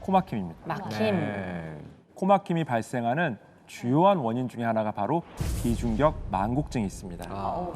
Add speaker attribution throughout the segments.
Speaker 1: 코막힘입니다.
Speaker 2: 막힘.
Speaker 3: 네.
Speaker 1: 코막힘이 발생하는 주요한 원인 중에 하나가 바로 비중격 만곡증이 있습니다.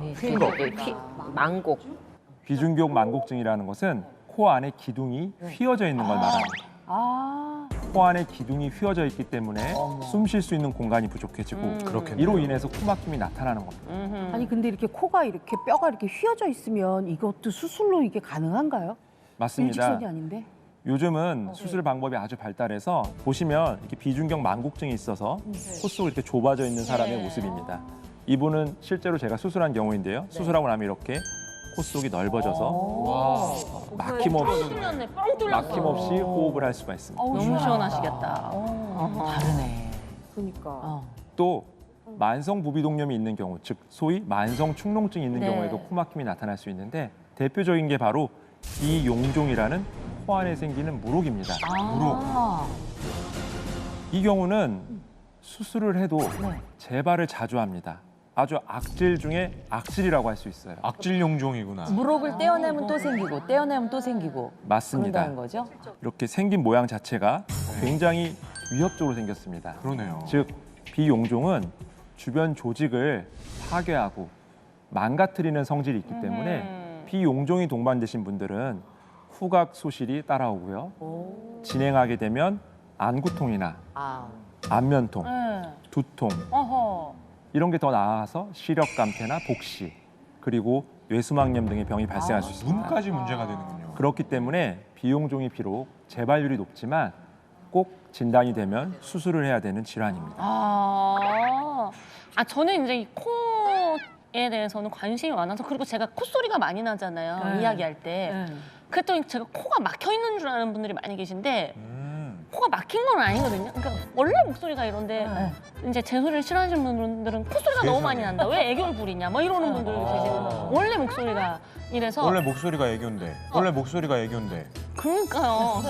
Speaker 2: 망곡.
Speaker 1: 비중격 만곡증이라는 것은 코 안에 기둥이 휘어져 있는 걸 말합니다. 코 안에 기둥이 휘어져 있기 때문에 숨 쉴 수 있는 공간이 부족해지고
Speaker 3: 그렇겠네요.
Speaker 1: 이로 인해서 코막힘이 나타나는 겁니다.
Speaker 4: 아니 근데 이렇게 코가 이렇게 뼈가 이렇게 휘어져 있으면 이것도 수술로 이게 가능한가요?
Speaker 1: 맞습니다.
Speaker 4: 일직선이 아닌데?
Speaker 1: 요즘은 수술 방법이 아주 발달해서 보시면 이렇게 비중격 만곡증이 있어서 코 속이 이렇게 좁아져 있는 사람의 모습입니다. 이분은 실제로 제가 수술한 경우인데요. 수술하고 나면 이렇게 코 속이 넓어져서 막힘없이 호흡을 할 수가 있습니다.
Speaker 2: 너무 시원하시겠다.
Speaker 4: 다르네.
Speaker 5: 그러니까.
Speaker 1: 또 만성 부비동염이 있는 경우, 즉 소위 만성 축농증이 있는 경우에도 코막힘이 나타날 수 있는데 대표적인 게 바로 비용종이라는 코 안에 생기는 물혹입니다. 이 경우는 수술을 해도 재발을 자주 합니다. 아주 악질 중에 악질이라고 할 수 있어요.
Speaker 3: 악질 용종이구나.
Speaker 5: 무릎을 떼어내면 또 생기고 떼어내면 또 생기고
Speaker 1: 맞습니다.
Speaker 5: 그런다는 거죠?
Speaker 1: 이렇게 생긴 모양 자체가 굉장히 위협적으로 생겼습니다.
Speaker 3: 그러네요.
Speaker 1: 즉 비용종은 주변 조직을 파괴하고 망가뜨리는 성질이 있기 때문에 비용종이 동반되신 분들은 후각 소실이 따라오고요. 진행하게 되면 안구통이나 안면통, 두통 이런 게 더 나아가서 시력감퇴나 복시 그리고 뇌수막염 등의 병이 발생할 수 있습니다.
Speaker 3: 눈까지 문제가 되는군요.
Speaker 1: 그렇기 때문에 비용종이 비록 재발률이 높지만 꼭 진단이 되면 수술을 해야 되는 질환입니다.
Speaker 2: 저는 이제 이 코에 대해서는 관심이 많아서 그리고 제가 콧소리가 많이 나잖아요. 이야기할 때. 그랬더니 제가 코가 막혀 있는 줄 아는 분들이 많이 계신데 코가 막힌 건 아니거든요. 그러니까 원래 목소리가 이런데 이제 제 소리를 싫어하시는 분들은 콧소리가 너무 많이 난다. 왜 애교를 부리냐? 막 이러는 분들 계시고 원래 목소리가 이래서
Speaker 3: 원래 목소리가 애교인데. 원래 목소리가 애교인데.
Speaker 2: 그러니까요.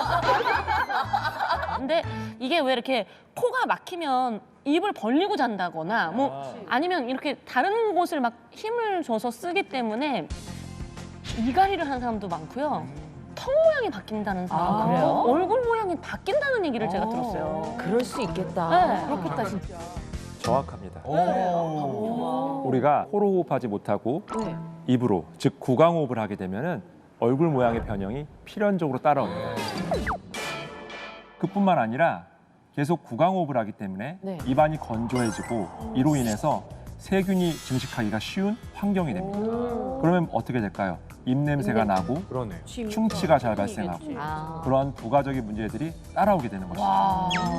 Speaker 2: 근데 이게 왜 이렇게 코가 막히면 입을 벌리고 잔다거나 뭐 아니면 이렇게 다른 곳을 막 힘을 줘서 쓰기 때문에 이갈이를 하는 사람도 많고요. 턱 모양이 바뀐다는 사람,
Speaker 5: 그래요?
Speaker 2: 얼굴 모양이 바뀐다는 얘기를 제가 들었어요.
Speaker 5: 그럴 수 있겠다.
Speaker 2: 네.
Speaker 4: 그렇겠다 진짜.
Speaker 1: 정확합니다.
Speaker 3: 오.
Speaker 1: 우리가 코로 호흡하지 못하고 입으로, 즉 구강호흡을 하게 되면은 얼굴 모양의 변형이 필연적으로 따라옵니다. 그뿐만 아니라 계속 구강호흡을 하기 때문에 입안이 건조해지고 이로 인해서 세균이 증식하기가 쉬운 환경이 됩니다. 그러면 어떻게 될까요? 입냄새가 나고
Speaker 3: 그러네.
Speaker 1: 충치가 잘 발생하고 그런 부가적인 문제들이 따라오게 되는 것이죠.